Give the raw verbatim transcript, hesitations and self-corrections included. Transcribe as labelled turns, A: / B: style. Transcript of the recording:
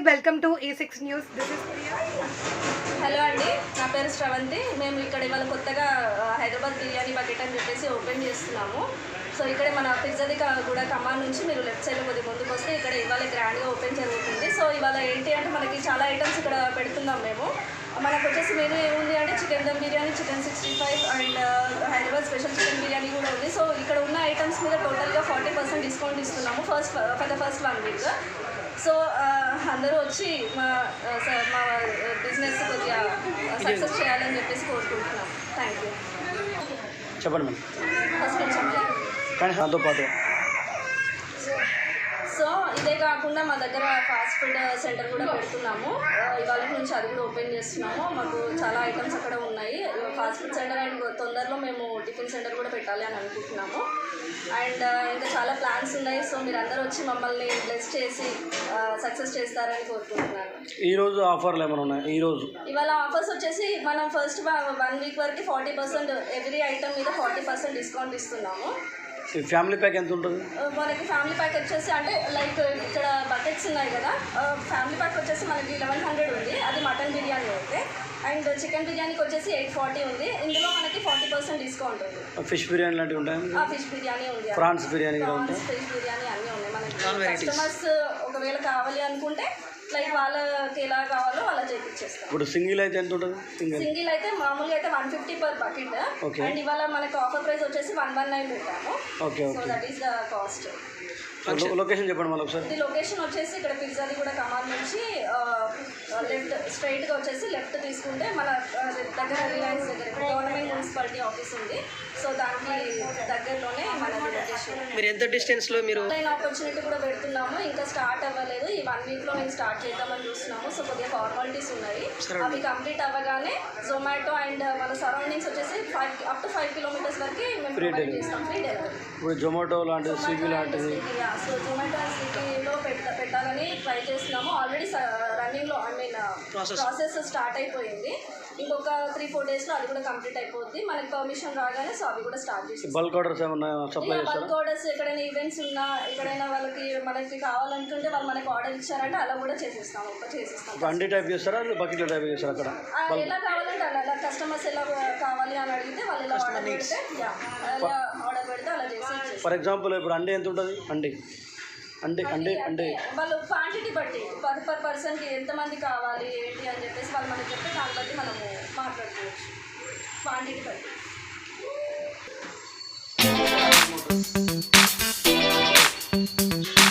A: Welcome to A six news. This is Priya.
B: Hello అండి, నా పేరు శ్రవంతి. మేము ఇక్కడ ఇవాళ కొత్తగా హైదరాబాద్ బిర్యానీ బకెట్ అని చెప్పేసి ఓపెన్ చేస్తున్నాము. సో ఇక్కడ మన పిజ్జాది కూడా ఖమ్మం నుంచి మీరు లెఫ్ట్ సైడ్లో కొద్దిగా ముందుకు వస్తే ఇక్కడ ఇవాళ గ్రాండ్గా ఓపెన్ జరుగుతుంది. సో ఇవాళ ఏంటి అంటే మనకి చాలా ఐటమ్స్ ఇక్కడ పెడుతున్నాం మేము. మనకు వచ్చేసి మెనూ ఏముంది అంటే chicken dum biryani, chicken sixty five and Hyderabad special chicken biryani కూడా ఉంది. సో ఇక్కడ ఉన్న ఐటమ్స్ మీద టోటల్గా ఫార్టీ పర్సెంట్ డిస్కౌంట్ ఇస్తున్నాము first for the first one week. So అందరూ వచ్చి మా మా బిజినెస్ కొద్దిగా సక్సెస్ చేయాలని చెప్పేసి కోరుకుంటున్నాం. Thank you.
C: చెప్పండి మేడం.
B: ఫస్ట్ చెప్పండి.
C: కానీ దాంతో పాటు
B: సో ఇదే కాకుండా మా దగ్గర ఫాస్ట్ ఫుడ్ సెంటర్ కూడా పెడుతున్నాము. ఇవాళ నుంచి అది కూడా ఓపెన్ చేస్తున్నాము. మాకు చాలా ఐటమ్స్ అక్కడ ఉన్నాయి. ఫాస్ట్ ఫుడ్ సెంటర్ అండ్ తొందరలో మేము టిఫిన్ సెంటర్ కూడా పెట్టాలి అని అనుకుంటున్నాము. అండ్ ఇంకా చాలా ప్లాన్స్ ఉన్నాయి. సో మీరు అందరూ వచ్చి మమ్మల్ని బ్లెస్ చేసి సక్సెస్ చేస్తారని కోరుకుంటున్నాను.
C: ఈరోజు ఆఫర్లు ఏమైనా ఉన్నాయి? ఈరోజు
B: ఇవాళ ఆఫర్స్ వచ్చేసి మనం ఫస్ట్ వన్ వీక్ వరకు ఫార్టీ పర్సెంట్ ఎవ్రీ ఐటమ్ మీద ఫార్టీ పర్సెంట్ డిస్కౌంట్ ఇస్తున్నాము.
C: ఫ్యామిలీ ప్యాక్ ఎంత ఉంటుంది?
B: మనకి ఫ్యామిలీ ప్యాక్ వచ్చేసి అంటే లైక్ ఇక్కడ బకెట్స్ ఉన్నాయి కదా, ఫ్యామిలీ ప్యాక్ వచ్చేసి మనకి లెవెన్ హండ్రెడ్ ఉంది. అది మటన్ బిర్యానీ అయితే. అండ్ చికెన్ బిర్యానీకి వచ్చేసి ఎయిట్ ఫార్టీ ఉంది. ఇందులో మనకి ఫార్టీ పర్సెంట్ డిస్కౌంట్ ఉంది.
C: ఫిష్ బిర్యానీ లాంటివి ఉంటాయి.
B: ఫిష్ బిర్యానీ ఉంది,
C: prawns biryani
B: prawns fish biryani అన్నీ ఉన్నాయి. మనకి కస్టమర్స్ ఒకవేళ కావాలి అనుకుంటే లైక్ వాళ్ళకి ఎలా కావాలో అలా చేయించేస్తాం.
C: ఇప్పుడు సింగిల్ అయితే ఎంత ఉంటుంది? సింగిల్
B: సింగిల్ అయితే మామూలుగా అయితే one fifty per bucket. And ఇవాళ మనకి ఆఫర్ ప్రైస్ వచ్చేసి వన్ వన్ నైన్ పెట్టాము.
C: Okay
B: so that is the cost.
C: Location చెప్పండి మళ్ళీ ఒకసారి.
B: ఇది లొకేషన్ వచ్చేసి ఇక్కడ పిజ్జాది కూడా ఖమ్మం నుంచి లెఫ్ట్ స్ట్రైట్గా వచ్చేసి లెఫ్ట్ తీసుకుంటే మన దగ్గర రిలయన్స్ దగ్గర గవర్నమెంట్ మున్సిపాలిటీ ఆఫీస్ ఉంది. సో దానికి దగ్గరలోనే మన లొకేషన్.
D: మీరు ఎంత డిస్టెన్స్లో మీరు
B: ఆన్లైన్ ఆపర్చునిటీ కూడా పెడుతున్నాము. ఇంకా స్టార్ట్ అవ్వలేదు. ఈ వన్ వీక్లో మేము స్టార్ట్ చేద్దామని చూస్తున్నాము. సో కొద్దిగా ఫార్మాలిటీస్ ఉన్నాయి. అవి కంప్లీట్ అవ్వగానే జొమాటో అండ్ మన సరౌండింగ్స్ వచ్చేసి five up to five kilometres వరకు మేము ప్రొవైడ్ చేస్తాం ఫ్రీ డెలివరీ.
C: ఇప్పుడు జొమాటో లాంటిది, స్విగ్గీ లాంటిది.
B: సో జొమాటో అండ్ స్విగ్గీలో పెట్ట పెట్టాలని ట్రై చేస్తున్నాము. ఆల్రెడీ రన్నింగ్లో ఐ మీన్ ప్రాసెస్ స్టార్ట్ అయిపోయింది. ఇంకొక త్రీ ఫోర్ డేస్లో అది కూడా కంప్లీట్ అయిపోద్ది. మనకి పర్మిషన్ రాగానే సో అవి కూడా స్టార్ట్ చేస్తాం.
C: బల్క్ ఆర్డర్స్ ఏమన్నా సప్లై చేస్తారా?
B: బల్క్ ఆర్డర్స్ ఎక్కడైనా ఈవెంట్స్ ఉన్నా ఎక్కడైనా వాళ్ళకి మనకి కావాలనుకుంటే వాళ్ళు మనకి ఆర్డర్ ఇచ్చారంటే అలా కూడా చేసేస్తాం. చేసేస్తాం.
C: అండి టైప్ చేస్తారా, బకెట్ టైప్ చేస్తారా? అక్కడ
B: ఎలా కావాలంటే అలా అలా కస్టమర్స్ ఎలా కావాలి అని అడిగితే వాళ్ళు ఎలా ఆర్డర్ పెడితే అలా ఆర్డర్ పెడితే అలా చేసి.
C: ఫర్ ఎగ్జాంపుల్ ఇప్పుడు అండి ఎంత ఉంటుంది? అండి అంటే అంటే అంటే
B: వాళ్ళు క్వాంటిటీ బట్టి పర్ పర్ పర్సన్కి ఎంతమంది కావాలి ఏంటి అని చెప్పేసి వాళ్ళు మనకి చెప్తే దాన్ని బట్టి మనము మాట్లాడుకోవచ్చు క్వాంటిటీ బట్టి.